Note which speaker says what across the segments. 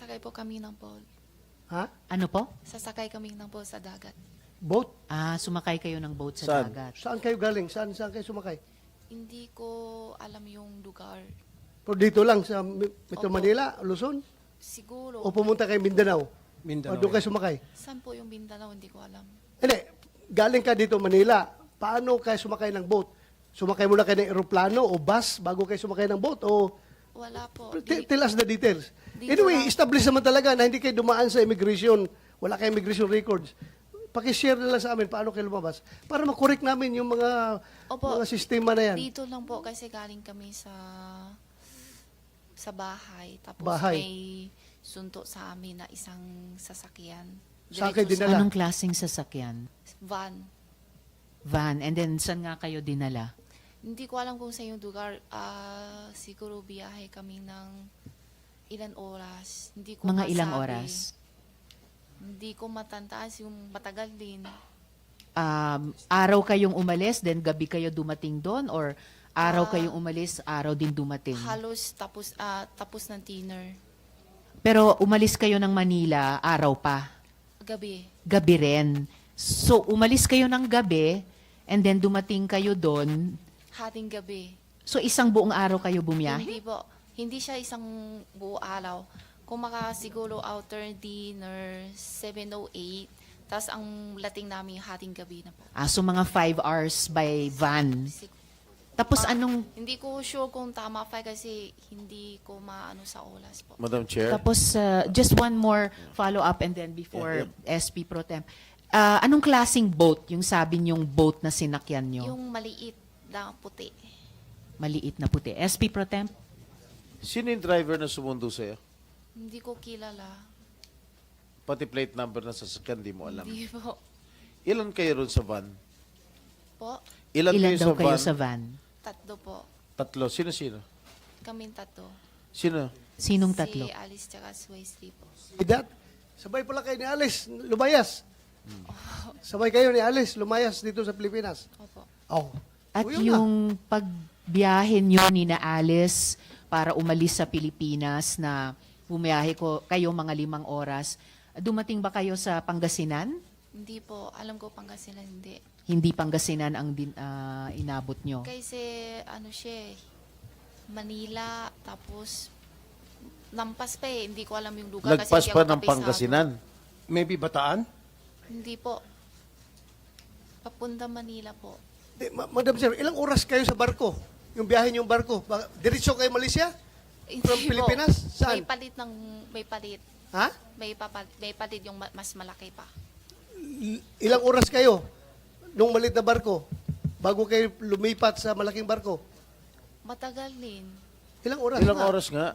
Speaker 1: Sasakay po kami ng boat.
Speaker 2: Ha?
Speaker 3: Ano po?
Speaker 1: Sasakay kami ng boat sa dagat.
Speaker 2: Boat?
Speaker 3: Sumakay kayo ng boat sa
Speaker 4: Saan?
Speaker 3: dagat.
Speaker 2: Saan kayo galing? Saan kayo sumakay?
Speaker 1: Hindi ko alam yung lugar.
Speaker 2: Pero dito lang sa Metro
Speaker 1: Opo.
Speaker 2: Manila, Luzon?
Speaker 1: Siguro.
Speaker 2: O pumunta kayo Mindanao?
Speaker 5: Mindanao.
Speaker 2: O doon kayo sumakay?
Speaker 1: Saan po yung Mindanao? Hindi ko alam.
Speaker 2: Hindi, galing ka dito Manila. Paano kayo sumakay ng boat? Sumakay muna kayo ng eroplano o bus bago kayo sumakay ng boat? O
Speaker 1: Wala po.
Speaker 2: tell us the details.
Speaker 1: Dito
Speaker 2: Anyway,
Speaker 1: lang.
Speaker 2: establish naman talaga na hindi kayo dumaan sa immigration. Wala kayong immigration records. Pakishare na lang sa amin paano kayo lumabas para makorek namin yung
Speaker 1: Opo.
Speaker 2: mga sistema na yan.
Speaker 1: Dito lang po kasi galing kami sa bahay. Tapos
Speaker 2: Bahay.
Speaker 1: may sunto sa amin na isang sasakyan.
Speaker 2: Sa akin
Speaker 1: Diretso
Speaker 2: dinala.
Speaker 3: Anong klaseng sasakyan?
Speaker 1: Van.
Speaker 3: Van. And then, saan nga kayo dinala?
Speaker 1: Hindi ko alam kung sa yung lugar. Siguro biyahe kami ng ilan oras. Hindi ko
Speaker 3: Mga ilang
Speaker 1: masabi.
Speaker 3: oras?
Speaker 1: Hindi ko matantaas yung matagal din.
Speaker 3: Araw kayong umalis, then gabi kayo dumating doon? Or araw kayong umalis, araw din dumating?
Speaker 1: Halos tapos ng dinner.
Speaker 3: Pero umalis kayo ng Manila, araw pa.
Speaker 1: Gabi.
Speaker 3: Gabi rin. So, umalis kayo ng gabi, and then dumating kayo doon.
Speaker 1: Hating gabi.
Speaker 3: So, isang buong araw kayo bumiyahe?
Speaker 1: Hindi po. Hindi siya isang buo araw. Kung siguro outer dinner, 7:08. Tapos ang lating namin hating gabi na po.
Speaker 3: So mga 5 hours by van. Tapos anong,
Speaker 1: Hindi ko sure kung tama pa kasi hindi ko maano sa oras po.
Speaker 4: Madam Chair.
Speaker 3: tapos just one more follow-up and then before SP Pro Temp. Anong klaseng boat, yung sabi niyong boat na sinakyan niyo?
Speaker 1: Yung maliit na puti.
Speaker 3: Maliit na puti. SP Pro Temp?
Speaker 4: Sino yung driver na sumundo sa'yo?
Speaker 1: Hindi ko kilala.
Speaker 4: Pati plate number na sasakyan, di mo alam.
Speaker 1: Hindi po.
Speaker 4: Ilan kayo ron sa van?
Speaker 1: Po,
Speaker 4: Ilan,
Speaker 3: Ilan
Speaker 4: kayo
Speaker 3: daw
Speaker 4: sa
Speaker 3: kayo
Speaker 4: van?
Speaker 3: sa van?
Speaker 1: tatlo po.
Speaker 4: Tatlo. Sino-sino?
Speaker 1: Kaming tatlo.
Speaker 4: Sino?
Speaker 3: Sinong tatlo?
Speaker 1: Si Alice tsaka si Wesley po.
Speaker 2: Idat, sabay pala kayo ni Alice, lumayas. Sabay kayo ni Alice, lumayas dito sa Pilipinas.
Speaker 1: Opo.
Speaker 2: Oh.
Speaker 3: At
Speaker 2: O, yun na.
Speaker 3: yung pagbiyahe niyo ni na Alice para umalis sa Pilipinas na bumiyahe kayo mga 5 oras, dumating ba kayo sa Pangasinan?
Speaker 1: Hindi po. Alam ko Pangasinan hindi.
Speaker 3: Hindi Pangasinan ang inabot nyo.
Speaker 1: Kasi ano siya eh, Manila, tapos lampas pa eh. Hindi ko alam yung lugar. kasi
Speaker 4: Lagpas
Speaker 1: hindi
Speaker 4: pa
Speaker 1: ako
Speaker 4: ng
Speaker 1: kapisado.
Speaker 4: Pangasinan.
Speaker 5: Maybe Bataan?
Speaker 1: Hindi po. Papunta Manila po.
Speaker 2: Madam Sir, ilang oras kayo sa barko? Yung biyahe niyong barko? Diretso kayo Malaysia? From
Speaker 1: Hindi po.
Speaker 2: Pilipinas? Saan?
Speaker 1: May palit.
Speaker 2: Ha?
Speaker 1: May palit yung mas malaki pa.
Speaker 2: Ilang oras kayo nung malit na barko bago kayo lumipat sa malaking barko?
Speaker 1: Matagal din.
Speaker 2: Ilang oras?
Speaker 4: Ilang
Speaker 2: nga?
Speaker 4: oras nga?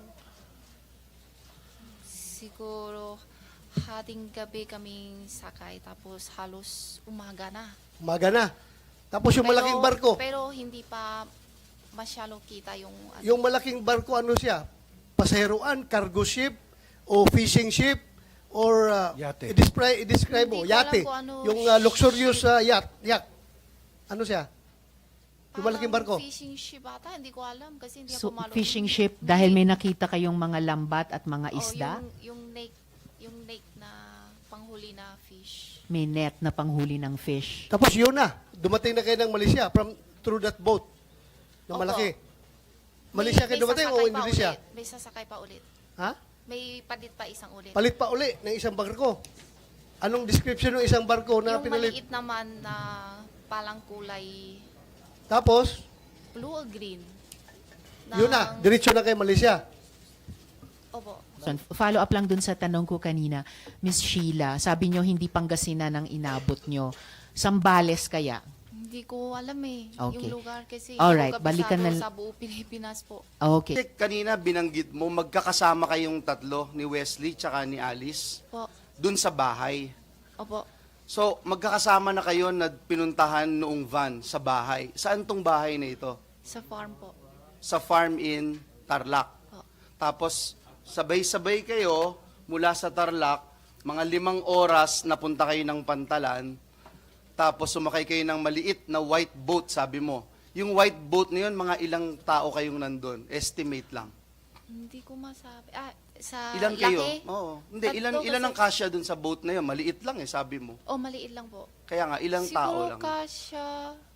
Speaker 1: Siguro hating gabi kaming sakay tapos halos umaga na.
Speaker 2: Umaga na. Tapos yung malaking barko,
Speaker 1: Pero hindi pa masyadong kita yung ano.
Speaker 2: yung malaking barko ano siya? Pasaheroan, cargo ship, o fishing ship, or
Speaker 5: Yate.
Speaker 2: i-describe mo,
Speaker 1: Hindi ko alam
Speaker 2: yate.
Speaker 1: kung ano
Speaker 2: Yung luxurious yacht. Ano siya? Yung malaking barko.
Speaker 1: Fishing ship ata, hindi ko alam kasi hindi
Speaker 3: So,
Speaker 1: ako malo.
Speaker 3: fishing ship, dahil may nakita kayong mga lambat at mga isda,
Speaker 1: Yung lake na panghuli na fish.
Speaker 3: may net na panghuli ng fish.
Speaker 2: Tapos yun na, dumating na kayo ng Malaysia through that boat na
Speaker 1: Opo.
Speaker 2: malaki. Malaysia kayo dumating o
Speaker 1: sasakay pa
Speaker 2: Indonesia?
Speaker 1: ulit. May sasakay pa ulit.
Speaker 2: Ha?
Speaker 1: May palit pa isang ulit.
Speaker 2: Palit pa uli ng isang barko. Anong description ng isang barko na
Speaker 1: yung
Speaker 2: pinalit?
Speaker 1: maliit naman na palang kulay
Speaker 2: Tapos,
Speaker 1: blue or green.
Speaker 2: yun na, diretso na kayo Malaysia.
Speaker 1: Opo.
Speaker 3: So, follow up lang dun sa tanong ko kanina, Miss Sheila, sabi nyo hindi Pangasinan ang inabot nyo. Sambales kaya?
Speaker 1: Hindi ko alam eh.
Speaker 3: Okay.
Speaker 1: Yung lugar kasi
Speaker 3: Alright,
Speaker 1: hindi ko
Speaker 3: balikan
Speaker 1: kabisado
Speaker 3: na-
Speaker 1: sa buo Pilipinas po.
Speaker 3: Okay.
Speaker 6: Kasi kanina binanggit mo, magkakasama kayong tatlo, ni Wesley tsaka ni Alice,
Speaker 1: Po.
Speaker 6: dun sa bahay.
Speaker 1: Opo.
Speaker 6: So, magkakasama na kayo na pinuntahan noong van sa bahay. Saan tong bahay na ito?
Speaker 1: Sa farm po.
Speaker 6: Sa farm in Tarlac.
Speaker 1: Po.
Speaker 6: Tapos, sabay-sabay kayo mula sa Tarlac, mga 5 oras napunta kayo ng Pantalan, tapos sumakay kayo ng maliit na white boat, sabi mo. Yung white boat na yun, mga ilang tao kayong nandun? Estimate lang.
Speaker 1: Hindi ko masabi. Sa
Speaker 6: Ilan kayo?
Speaker 1: laki?
Speaker 6: Oo. Hindi,
Speaker 1: Tatlo
Speaker 6: ilan ang
Speaker 1: kasi-
Speaker 6: kasya dun sa boat na yun? Maliit lang sabi mo.
Speaker 1: Oh, maliit lang po.
Speaker 6: Kaya nga, ilang tao
Speaker 1: Siguro
Speaker 6: lang?
Speaker 1: kasya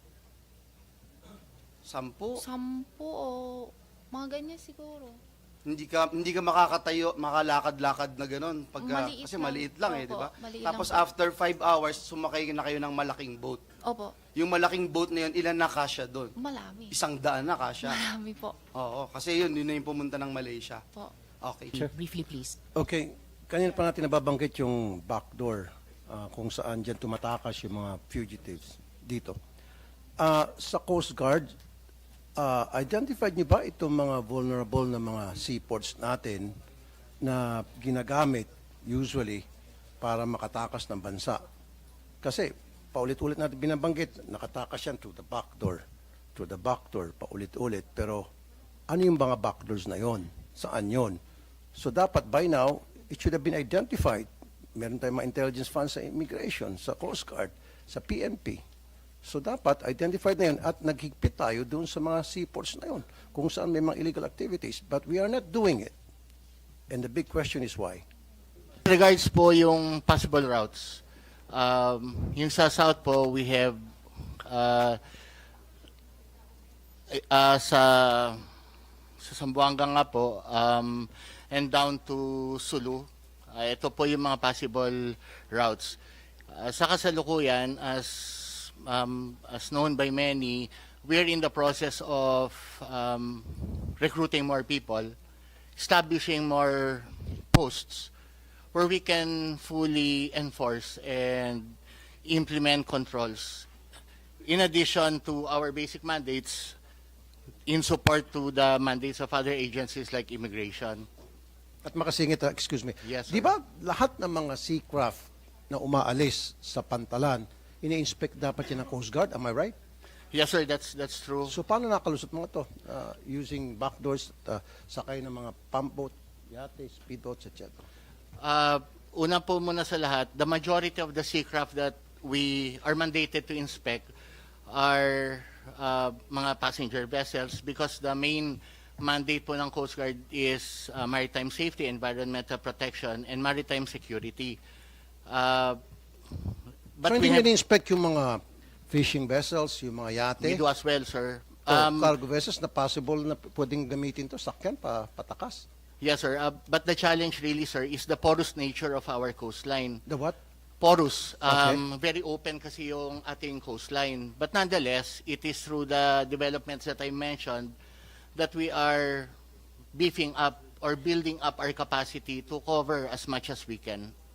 Speaker 6: 10?
Speaker 1: 10 o mga ganyan siguro.
Speaker 6: Hindi ka makakatayo, makalakad-lakad na gano'n
Speaker 1: Maliit
Speaker 6: kasi
Speaker 1: lang.
Speaker 6: maliit lang
Speaker 1: Opo,
Speaker 6: di ba?
Speaker 1: maliit
Speaker 6: Tapos
Speaker 1: lang po.
Speaker 6: after 5 hours, sumakay na kayo ng malaking boat.
Speaker 1: Opo,
Speaker 6: Yung malaking boat na yun, ilan na kasya doon?
Speaker 1: malami.
Speaker 6: 100 na kasya.
Speaker 1: Marami po.
Speaker 6: Oo, kasi yun na yung pumunta ng Malaysia.
Speaker 1: Po.
Speaker 6: Okay.
Speaker 3: Briefly, please.
Speaker 5: Okay, kanina pa natin nababanggit yung backdoor kung saan dyan tumatakas yung mga fugitives dito. Sa Coast Guard, identified niyo ba itong mga vulnerable na mga seaports natin na ginagamit usually para makatakas ng bansa? Kasi paulit-ulit natin binabanggit, nakatakas yan through the back door, paulit-ulit. Pero ano yung mga backdoors na yon? Saan yon? So dapat by now, it should have been identified. Meron tayong mga intelligence funds sa immigration, sa Coast Guard, sa PNP. So dapat identified na yun at naghigpit tayo doon sa mga seaports na yun kung saan may mga illegal activities. But we are not doing it. And the big question is why?
Speaker 7: Regards po yung possible routes. Yung sa south po, we have sa Zamboanga nga po and down to Sulu. Ito po yung mga possible routes. Sa kasalukuyan, as known by many, we're in the process of recruiting more people, establishing more posts where we can fully enforce and implement controls. In addition to our basic mandates, in support to the mandates of other agencies like immigration.
Speaker 5: At makasingit, excuse me.
Speaker 7: Yes, sir.
Speaker 5: Di ba lahat ng mga seacraft na umaalis sa pantalan, ini-inspect dapat yan ng Coast Guard? Am I right?
Speaker 7: Yes, sir, that's true.
Speaker 5: So paano nakalusot mga to? Using backdoors, sakay ng mga pump boat, yate, speedboats, etc.
Speaker 7: Una po muna sa lahat, the majority of the seacraft that we are mandated to inspect are mga passenger vessels because the main mandate po ng Coast Guard is maritime safety, environmental protection, and maritime security. But
Speaker 5: So
Speaker 7: we
Speaker 5: hindi
Speaker 7: have,
Speaker 5: nyo inspect yung mga fishing vessels, yung mga yate,
Speaker 7: we do as well, sir.
Speaker 5: o cargo vessels na possible na pwedeng gamitin to, sakyan, patakas?
Speaker 7: Yes, sir. But the challenge really, sir, is the porous nature of our coastline.
Speaker 5: The what?
Speaker 7: Porous.
Speaker 5: Okay.
Speaker 7: Very open kasi yung ating coastline. But nonetheless, it is through the developments that I mentioned that we are beefing up or building up our capacity to cover as much as we can.